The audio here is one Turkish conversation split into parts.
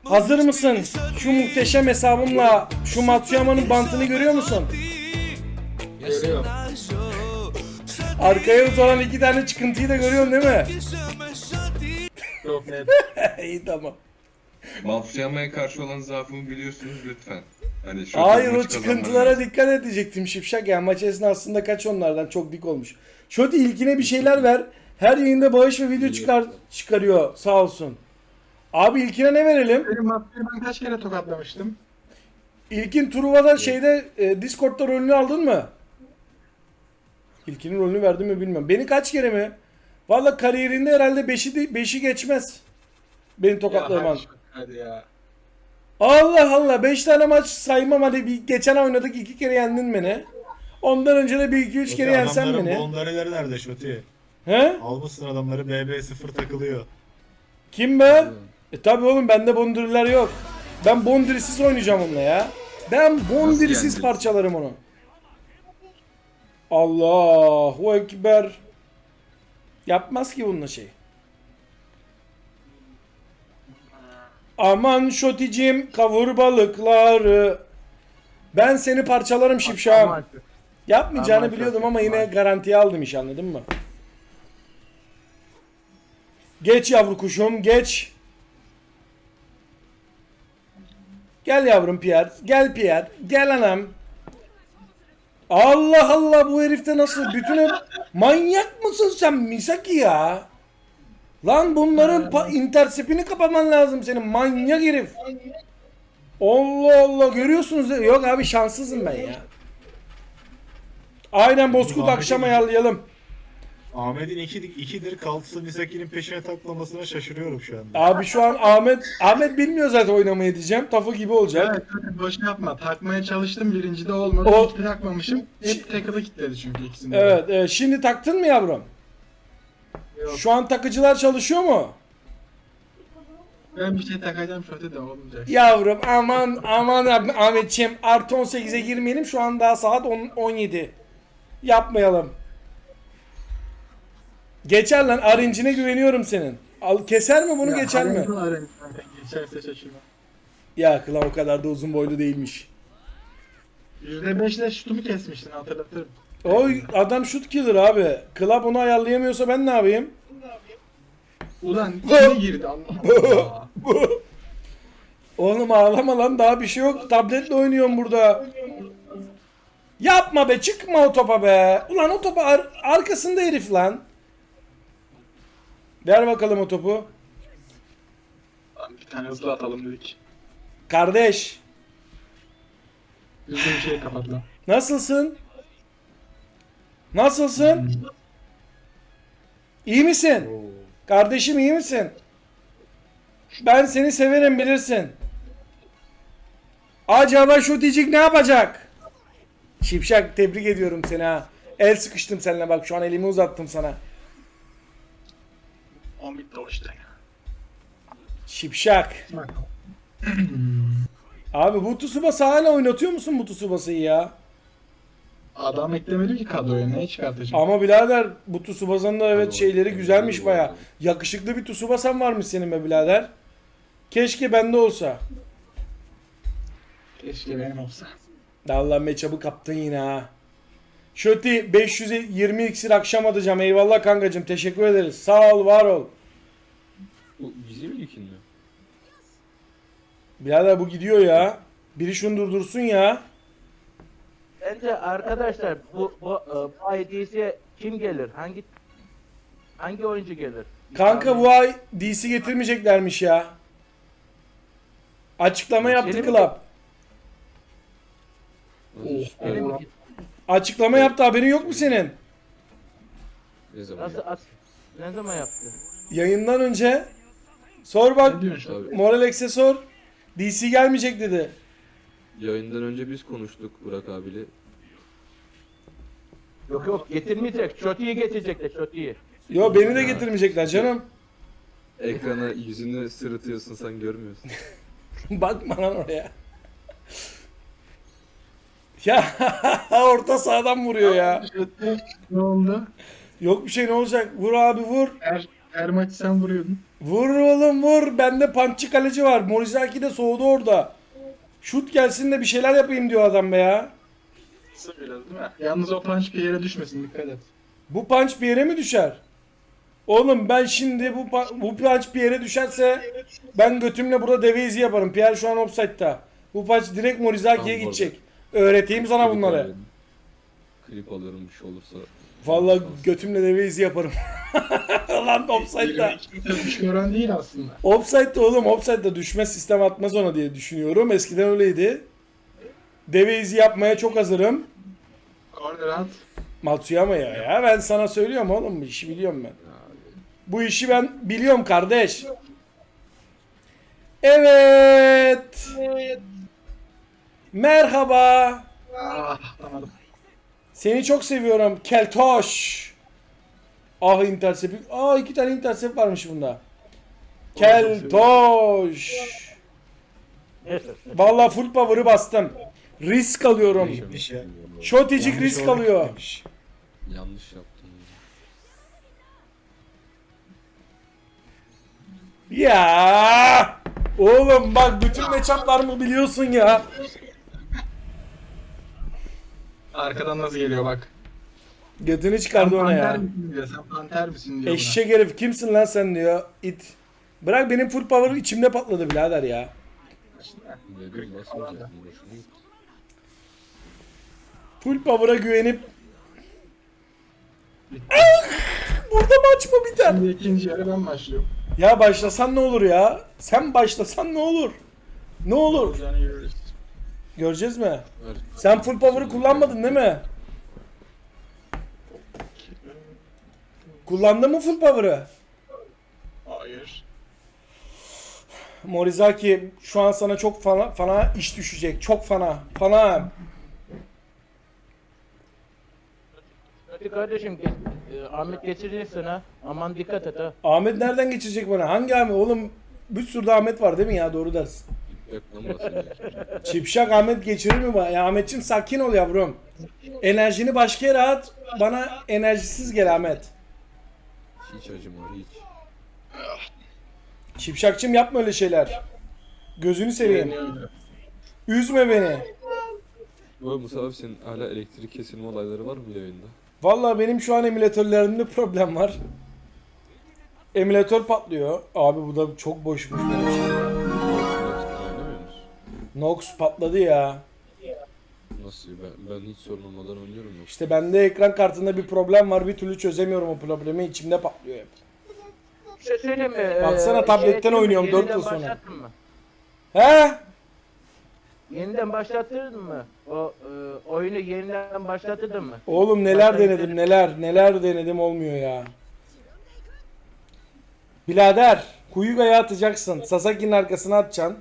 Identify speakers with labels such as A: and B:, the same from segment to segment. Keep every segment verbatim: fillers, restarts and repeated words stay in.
A: Hazır mısın? Şu muhteşem hesabımla şu Matsuyama'nın bantını görüyor musun?
B: Görüyorum.
A: Arkaya uzanan iki tane çıkıntıyı da görüyorsun değil mi?
B: Çok net.
A: İyi tamam.
C: Matsuyama'ya karşı olan zaafımı biliyorsunuz lütfen. Hani şu
A: Hayır o
C: maçı
A: çıkıntılara
C: kazanmam
A: dikkat edecektim Şipşak ya. Maç esnasında kaç onlardan çok dik olmuş. Şoti ilkine bir şeyler ver. Her yayında bağış ve video çıkar çıkarıyor sağ olsun. Abi ilkine ne verelim?
B: Benim Matsuyama'yı ben kaç kere tokatlamıştım?
A: İlkin Truva'da şeyde e, Discord'da rolünü aldın mı? İlkinin rolünü verdim mi bilmiyorum. Beni kaç kere mi? Valla kariyerinde herhalde beşi beşi geçmez. Beni tokatlaman.
B: Ya, hadi ya.
A: Allah Allah beş tane maç saymam hadi bir geçen ay oynadık iki kere yendin beni. Ondan önce de bir iki üç kere yensen
D: Adamların
A: beni.
D: bondareleri nerede Şoti?
A: He?
D: Almışsın adamları B B sıfır takılıyor.
A: Kim be? E tabi oğlum bende bondiriler yok. Ben bondirisiz oynayacağım onunla ya. Ben bondirisiz
C: yani?
A: parçalarım onu. Allahu Ekber. Yapmaz ki bununla şey. Aman Şoticim kavur balıkları. Ben seni parçalarım şipşağım.
B: Aman.
A: Yapmayacağını
B: Aman
A: biliyordum
B: çok
A: ama yine
B: aman.
A: garantiye aldım iş anladın mı? Geç yavru kuşum geç. Gel yavrum Pierre. Gel Pierre. Gel anam. Allah Allah bu herifte nasıl bütün hep manyak mısın sen Misaki ya? Lan bunların pa- intersepini kapaman lazım senin manyak herif. Allah Allah görüyorsunuz değil mi? Yok abi şanssızım ben ya. Aynen Bozkurt akşam ayarlayalım.
D: Ahmet'in iki, ikidir kaltısı Misaki'nin peşine taklamasına şaşırıyorum şu anda.
A: Abi şu an Ahmet Ahmet bilmiyor zaten oynamayı diyeceğim. Tafu gibi olacak.
B: Evet, evet, boş yapma. Takmaya çalıştım, birincide olmadı.
A: O-
B: İlkte takmamışım. Hep tackle'ı kilitledi çünkü ikisinde. de.
A: Evet, evet. Şimdi taktın mı yavrum?
B: Yok.
A: Şu an takıcılar çalışıyor mu?
B: Ben bir şey takacağım şöyle de olmayacak.
A: Yavrum aman aman abi, Ahmetciğim artı on sekize girmeyelim şu an daha saat on, on yedi. Yapmayalım. Geçer lan arincine güveniyorum senin. Al keser mi bunu
B: Ya,
A: geçer mi?
B: Harrington, Harrington. Geçerse şaşırma.
A: Ya kılan o kadar da uzun boylu değilmiş.
B: yüzde beşle şutumu kesmiştin hatırlatırım.
A: Oy adam shoot killer abi. Club onu ayarlayamıyorsa ben ne yapayım?
B: Ulan içine girdi Allah Allah.
A: Oğlum ağlama lan daha bir şey yok. Tabletle oynuyorum burada. Yapma be çıkma o topa be. Ulan o topa ar- arkasında herif lan. Ver bakalım o topu.
B: Lan bir tane hızlı atalım dedik.
A: Kardeş
B: Düzgün bir şey kapat lan.
A: nasılsın? Nasılsın? İyi misin? Kardeşim iyi misin? Ben seni severim bilirsin. Acaba şu dicik ne yapacak? Şipşak tebrik ediyorum seni ha. El sıkıştım seninle bak şu an elimi uzattım sana.
B: on bitti o işte.
A: Şipşak.
B: Bak.
A: Abi bu Tsubasa hala oynatıyor musun bu Tsubasa'yı ya?
B: Adam eklemedim ki kadroya, neye çıkartacağım?
A: Ama birader bu Tsubasa'nın da evet
C: Abi,
A: şeyleri
C: evet,
A: güzelmiş
C: evet,
A: baya.
C: evet.
A: Yakışıklı bir Tsubasa'm varmış senin be birader. Keşke bende olsa.
B: Keşke benim olsa.
A: Allah matchup'ı kaptın yine ha. Şöti beş yüz yirmi iksir akşam atacağım. Eyvallah kankacım teşekkür ederiz. Sağ ol var ol.
C: Bu bizim ilkin mi?
A: Birader bu gidiyor ya. Biri şunu durdursun ya.
E: Bence arkadaşlar bu bu, e, bu I D C'ye kim gelir? Hangi hangi oyuncu gelir?
A: Kanka bu ay D C getirmeyeceklermiş ya. Açıklama yaptı
E: Senin-
A: Club.
E: Benim
A: Açıklama yaptı haberin yok mu senin?
C: Ne zaman?
E: nasıl as ne zaman yaptı?
A: Yayından önce. Sor bak.
B: Ne diyorsun şu an?
C: Abi,
A: Moralex'e sor. D C gelmeyecek dedi.
C: yayından önce biz konuştuk Burak abiyle.
E: Yok yok getirmeyecek. Shoti'yi getirecekler Shoti'yi.
A: Yo beni de getirmeyecekler canım.
C: Ekrana yüzünü sırıtıyorsun sen görmüyorsun.
A: Bakma lan oraya. Ya orta sahadan vuruyor ya.
B: Ne oldu?
A: Yok bir şey ne olacak? Vur abi vur.
B: Er, Her maç sen vuruyordun.
A: Vur oğlum vur. Bende punchçı kaleci var. Morizaki de soğudu orada. Şut gelsin de bir şeyler yapayım diyor adam be ya.
B: Söyle değil mi? Yalnız o punch bir yere düşmesin, dikkat et.
A: Bu punch bir yere mi düşer? Oğlum ben şimdi bu pa- bu punch bir yere düşerse ben götümle burada deve izi yaparım. Pierre şu an offside'da. Bu punch direkt Morizaki'ye
F: Tamam,
A: gidecek. Öğreteyim sana
F: Klip
A: bunları.
F: alıyorum. Klip alıyorum bir şey olursa.
A: Vallahi götümle deve izi yaparım. Lan offside'da.
B: Düşmüyorum değil aslında.
A: Offside'da oğlum, offside'da düşme sistem atmaz ona diye düşünüyorum. Eskiden öyleydi. Deve izi yapmaya çok hazırım.
B: Corner at.
A: Matsuyama ya ya. Ben sana söylüyorum oğlum, bu işi biliyorum ben. Bu işi ben biliyorum kardeş. Evet. Merhaba.
B: Ah, anladım.
A: Seni çok seviyorum Keltoş. Ah intercept. Aa iki tane intercept varmış bunda. Keltoş.
E: Neyse.
A: Vallahi full power'ı bastım. Risk alıyorum.
D: Neymiş ya?
A: Şoticik
D: Yanlış
A: risk
D: olarak
A: alıyor.
D: gitmemiş.
F: Yanlış yaptım.
A: Ya oğlum bak bütün matchup'larımı biliyorsun ya.
B: Arkadan nasıl geliyor bak.
A: Götünü çıkardı ona
B: panter
A: ya.
B: misin diyor, sen panter misin diyor
A: Eşek herif kimsin lan sen diyor. İt. Bırak benim full power içimde patladı birader ya.
F: Dedim basmayacaktım. Boşuna gitti.
A: Full power'a güvenip Ah! Burada maç mı biter?
B: Şimdi ikinci yarı ben başlıyorum.
A: Ya başlasan ne olur ya? Sen başlasan ne olur? Ne olur?
B: Yani yürürüz.
A: Göreceğiz mi?
F: Ver.
A: Sen full power'ı kullanmadın değil mi? Kullandın mı full power'ı?
B: Hayır.
A: Morizaki şu an sana çok fana, fana iş düşecek. Çok fana. Fana.
E: Hadi kardeşim geç, e, Ahmet geçireceksin ha. Aman dikkat et ha.
A: Ahmet nereden geçecek bana? Hangi Ahmet? Oğlum bir sürü Ahmet var değil mi ya? Doğru dersin.
F: Yaklan basınca.
A: Çipşak Ahmet geçirir mi bana? Ya Ahmetciğim sakin ol yavrum. Enerjini başka yere at. Bana enerjisiz gel Ahmet.
F: Hiç acıma hiç.
A: Çipşakçım yapma öyle şeyler. Gözünü seveyim.
B: Beğeniyorum.
A: Üzme beni.
F: Bu Musa abi senin hala elektrik kesilme olayları var mı yayında?
A: Vallahi benim şu an emülatörlerimde problem var. Emülatör patlıyor. Abi bu da çok boşmuş benim şey.
F: Oynamıyor musun?
A: Nox patladı ya.
F: Nasıl? Ben, ben hiç sorun olmadan oynuyorum yok.
A: İşte bende ekran kartında bir problem var. Bir türlü çözemiyorum o problemi. İçimde patlıyor hep.
E: Bir şey söyleyeyim mi?
A: Baksana,
E: Ee,
A: tabletten
E: şey,
A: oynuyorum, dört
E: yeniden
A: yıl sonra.
E: başlattın mı?
A: He?
E: Yeniden başlattırdın mı? O e, oyunu yeniden başlattırdın mı?
A: Oğlum neler
E: Başlayın
A: denedim
E: dedim.
A: neler neler denedim olmuyor ya. Birader Huyuga'ya atacaksın. Sasaki'nin arkasına atacaksın.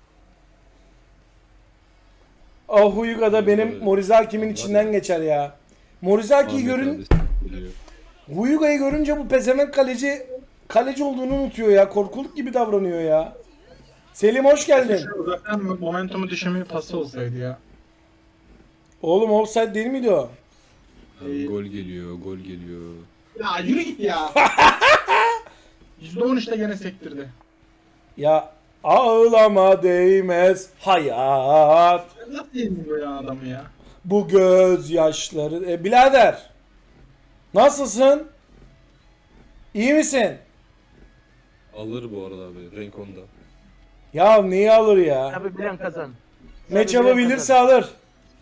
A: O Huyuga da benim Morizaki'min içinden geçer ya. Morizaki'yi
F: Ahmet
A: görün,
F: abi geliyor.
A: Huyuga'yı görünce bu pezevenk kaleci kaleci olduğunu unutuyor ya. Korkuluk gibi davranıyor ya. Selim hoş geldin.
B: Uzaktan momentumu düşürme pası olsaydı ya.
A: Oğlum offside değil miydi o?
F: Abi gol geliyor, gol geliyor.
B: Ya yürü git ya. yüzde on üçte gene sektirdi.
A: Ya ağlama değmez hayat.
B: Nasıl yeniliyor ya adamı ya?
A: Bu gözyaşları. E, birader. Nasılsın? İyi misin?
F: Alır bu arada abi, renk onda.
A: Ya neyi alır ya?
E: Tabii bilen kazan.
A: Matchup'ı bilirse alır.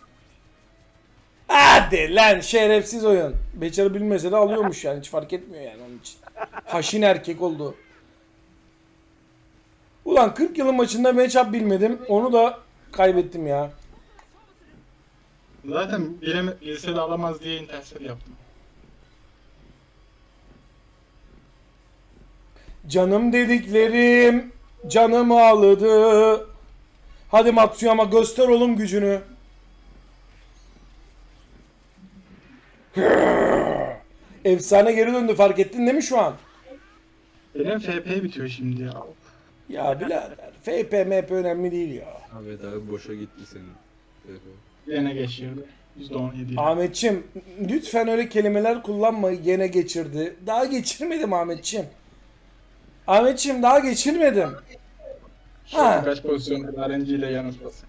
A: Hadi lan şerefsiz oyun. Beçarı bilmese de alıyormuş yani, hiç fark etmiyor yani onun için. Haşin erkek oldu. Ulan kırk yılın maçında matchup bilmedim. Onu da kaybettim ya.
B: Zaten bileme, bilse de alamaz diye intersel yaptım.
A: Canım dediklerim canımı aldı. Hadi Matsuyama göster oğlum gücünü. Efsane geri döndü, fark ettin değil mi şu an?
B: Benim F P bitiyor şimdi ya.
A: Ya birader F P M P önemli değil ya.
F: Ahmet abi boşa gitti senin.
B: Gene geçirdi. yüzde on yedi.
A: Ahmetçim lütfen öyle kelimeler kullanma, gene geçirdi. Daha geçirmedim Ahmetçim. Ahmetciğim daha geçirmedim.
B: Şu
A: Ha.
B: kaç pozisyonda R N G ile yanıltması.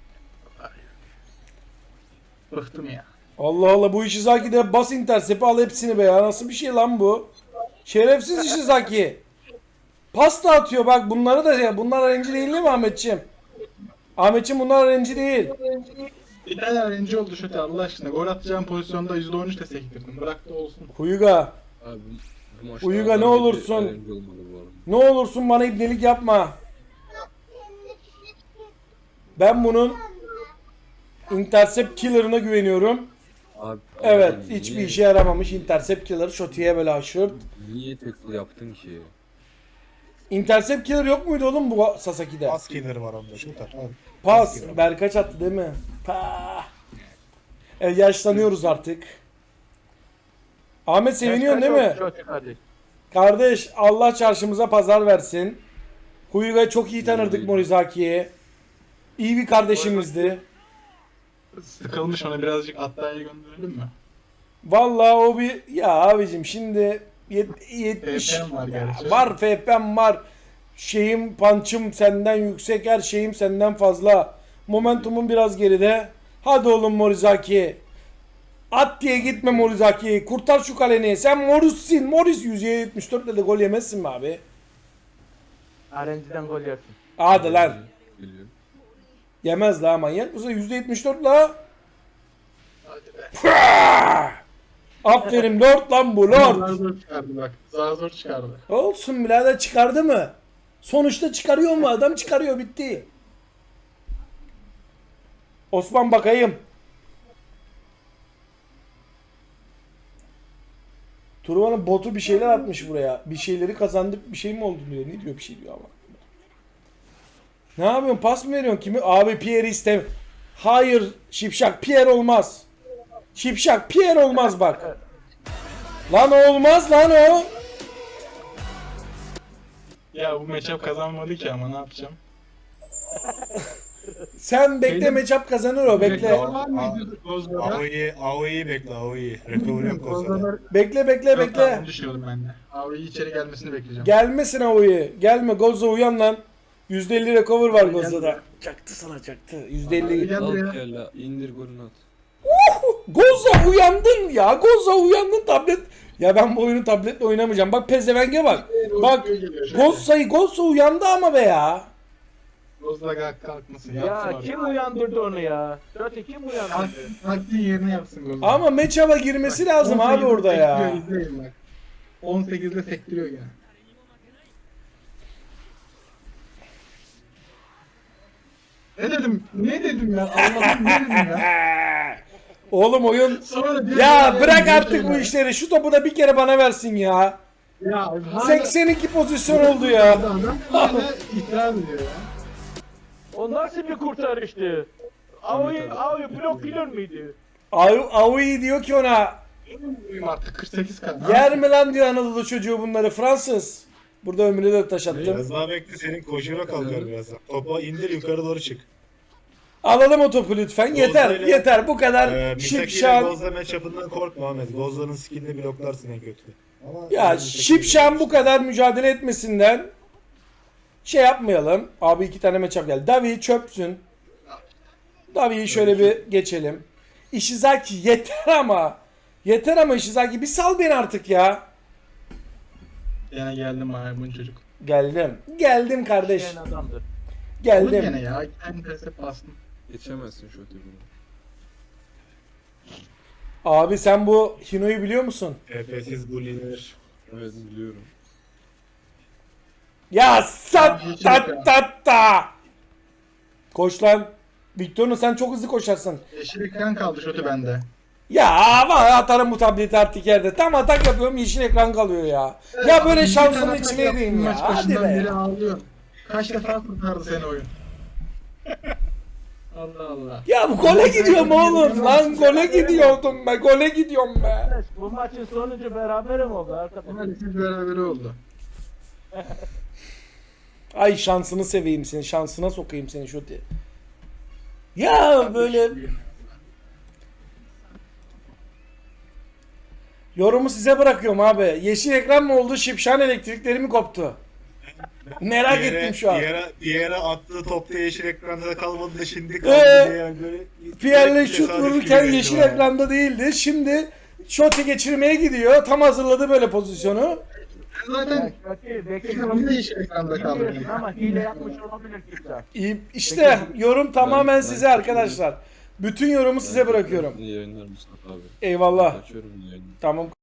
B: Bıktım ya.
A: Allah Allah, bu Ishizaki bas intercept al hepsini be ya. Nasıl bir şey lan bu? Şerefsiz Ishizaki. Pasta atıyor bak, bunları da ya. Bunlar R N G değil mi Ahmetciğim? Ahmetciğim bunlar R N G değil.
B: Bir tane R N G oldu şöyle Allah aşkına. Gol atacağım pozisyonda yüzde on üç de sektirdim. Bırak da olsun.
A: Huyuga.
F: Abi bu maçta
A: Uyuga,
F: adam
A: ne
F: gibi
A: olursun.
F: önemli olmalı bu arada.
A: Ne olursun bana ibnelik yapma. Ben bunun intercept killer'ına güveniyorum.
F: Abi,
A: Evet,
F: abi
A: hiçbir
F: niye-
A: işe yaramamış intercept killer. Shoti'ye böyle aşırt.
F: Niye tackle yaptın ki?
A: Intercept killer yok muydu oğlum bu Sasaki'de?
D: Pas killeri var onda. Şu tak abi.
A: Pas. Berkaç attı değil mi? Pah. Evet, yaşlanıyoruz artık. Ahmet seviniyorsun değil mi?
E: Çok hadi.
A: Kardeş, Allah çarşımıza pazar versin. Huyuga çok iyi tanırdık Morizaki'yi. İyi bir kardeşimizdi.
B: Sıkılmış, ona birazcık Atta'ya gönderelim mi?
A: Vallahi o bir ya abicim şimdi yet- yetmiş
B: F P'm var gerçi.
A: var F P'm var. Şeyim punch'ım senden yüksek, her şeyim senden fazla. Momentumum biraz geride. Hadi oğlum Morizaki. At diye gitme Morizaki. Kurtar şu kaleni. Sen Morris'sin. Morris yüz yetmiş dört ile de gol yemezsin mi abi?
E: R N G'den gol yersin.
A: Hadi lan.
F: Biliyorum.
A: Yemez la, manyak mısın? yüzde yetmiş dört la.
B: Hadi be.
A: Pıah! Aferin Lord lan bu
B: Zar
A: Lord.
B: zor çıkardı bak. Zar zor çıkardı.
A: Olsun birader, çıkardı mı? Sonuçta çıkarıyor mu? Adam çıkarıyor, bitti. Osman bakayım. Turban'ın botu bir şeyler atmış buraya. Bir şeyleri kazandık, bir şey mi oldu diyor. Ne diyor, bir şey diyor ama. Ne yapıyorsun? Pas mı veriyorsun? Kimi? Abi Pierre istem. Hayır Şipşak, Pierre olmaz. Şipşak, Pierre olmaz bak. Lan olmaz lan o.
B: Ya bu matchup kazanmadı ki ama ne yapacağım?
A: Sen bekle,
B: Benim-
A: matchup kazanır o, bekle.
B: Reklam var mıydı Gozla'da?
D: Aoi'yi Aoi'yi bekle Aoi'yi. Recovery yok Koza'da.
A: Bekle bekle bekle.
B: Düşünüyordum ben de. Abi içeri gelmesini bekleyeceğim.
A: Gelmesin Aoi'yi. Gelme Gozza, uyan lan. yüzde elli recover var
B: Abi
A: Gozza'da. Çaktı sana, çaktı. yüzde
B: Abi
A: elli.
B: gel
F: Al
B: buraya.
F: kella indir golünü at.
A: Gozza uyandın ya. Gozza uyandın, tablet. Ya ben bu oyunu tabletle oynamayacağım. Bak pezevenge bak. Bak Gozza'yı Gozza uyandı ama be ya.
B: Gozla kalk kalkmasın. Yapsın
E: Ya
B: abi.
E: kim uyandırdı onu ya? Şöyle kim
B: Kalk-
E: uyandırdı?
B: Kalktığın yerine yapsın Gozla.
A: Ama matchup'a girmesi lazım abi orada ya.
B: İzleyin bak. on sekizde sektiriyor gene. Ne dedim? Ne dedim ya? Allah'ım ne dedim ya?
A: Oğlum oyun.
B: Sonra diyor
A: Ya
B: ki,
A: bırak
B: ya,
A: artık bu işleri. Şu topu da bir kere bana versin ya.
B: Ya hala-
A: seksen iki pozisyon oldu ya.
B: Adam hala itiraz ediyor ya.
E: O nasıl bir kurtarıştı? Ao'yu Ao'yu blok bilir miydi?
A: Aoui diyor ki ona,
B: Uyum artık kırk sekiz kan.
A: yer mi lan diyor Anadolu çocuğu bunları, Fransız. Burada ömrüne de taş attım.
D: Biraz daha bekle, senin koşuna kalkar birazdan. Topa indir, yukarı doğru çık.
A: Alalım o topu lütfen. Yeter,
D: Gozza'yla-
A: yeter. Bu kadar
D: Ee, Misaki ile
A: şipşan.
D: Gozza matchup'ından korkma Ahmet. Gozza'nın skillini bloklarsın en kötü. Ama
A: Ya
D: Misaki-
A: şipşan bu kadar mücadele etmesinden şey yapmayalım. Abi iki tane matchup geldi. Davi çöpsün. Davi'yi şöyle bir geçelim. Ishizaki yeter ama. Yeter ama Ishizaki, bir sal beni artık ya.
B: Yine geldim maymun çocuk.
A: Geldim. Geldim kardeş.
E: Yani adamdır.
B: Olur
A: Geldim.
B: gene ya. İki tane tesip bastım.
F: Geçemezsin şu öteki bunu.
A: Abi sen bu Hino'yu biliyor musun?
D: P P'siz bully'ler.
F: Evet biliyorum.
A: Ya sat
B: Abi, hiç
A: tat
B: yok ya.
A: tat ta. Koş lan. Victorino sen çok hızlı koşarsın.
B: Yeşil ekran kaldı şöyle bende.
A: Ya var atarım bu tableti artık yerde. Tam atak yapıyorum, yeşil ekran kalıyor ya. Ya böyle
B: Bir
A: şansın
B: tane
A: içine
B: atak
A: edeyim
B: yaptım,
A: ya.
B: Maç
A: Hadi
B: başından beri
A: be.
B: ağlıyor. Kaç defa kurtardı seni oyun. Allah Allah.
A: Ya bu gole gidiyorum oğlum lan. Gole gidiyordum be. Gole gidiyorum be.
E: Arkadaş, bu maçın sonucu berabere mi oldu arkadaşlar?
B: Maalesef beraber oldu.
A: Ay şansını seveyim seni. Şansına sokayım seni şu diye. Ya böyle yorumu size bırakıyorum abi. Yeşil ekran mı oldu? Şipşan elektrikleri mi koptu? Merak
D: Bir yere-
A: ettim şu an.
D: Bir yere, bir yere attığı topta yeşil ekranda kalmadı da şimdi kaldı
A: Ee,
D: diye yani böyle.
A: Pierre'le
D: direkt
A: şut
D: tesadüf
A: vururken
D: gibi
A: yeşil
D: geldi bana.
A: ekranda değildi. Şimdi şotu geçirmeye gidiyor. Tam hazırladı böyle pozisyonu.
B: Zaten
E: Kötü, belki
B: ekranı da yeşil ekranda kaldı.
E: bilmiyorsun ama hile yapmış olabilir kimse.
A: İyi, İşte yorum tamamen
F: ben-
A: size arkadaşlar. Bütün yorumu size bırakıyorum.
F: İyi yayınlar Mustafa abi.
A: Eyvallah.
F: Açıyorum yayını.
A: Tamam.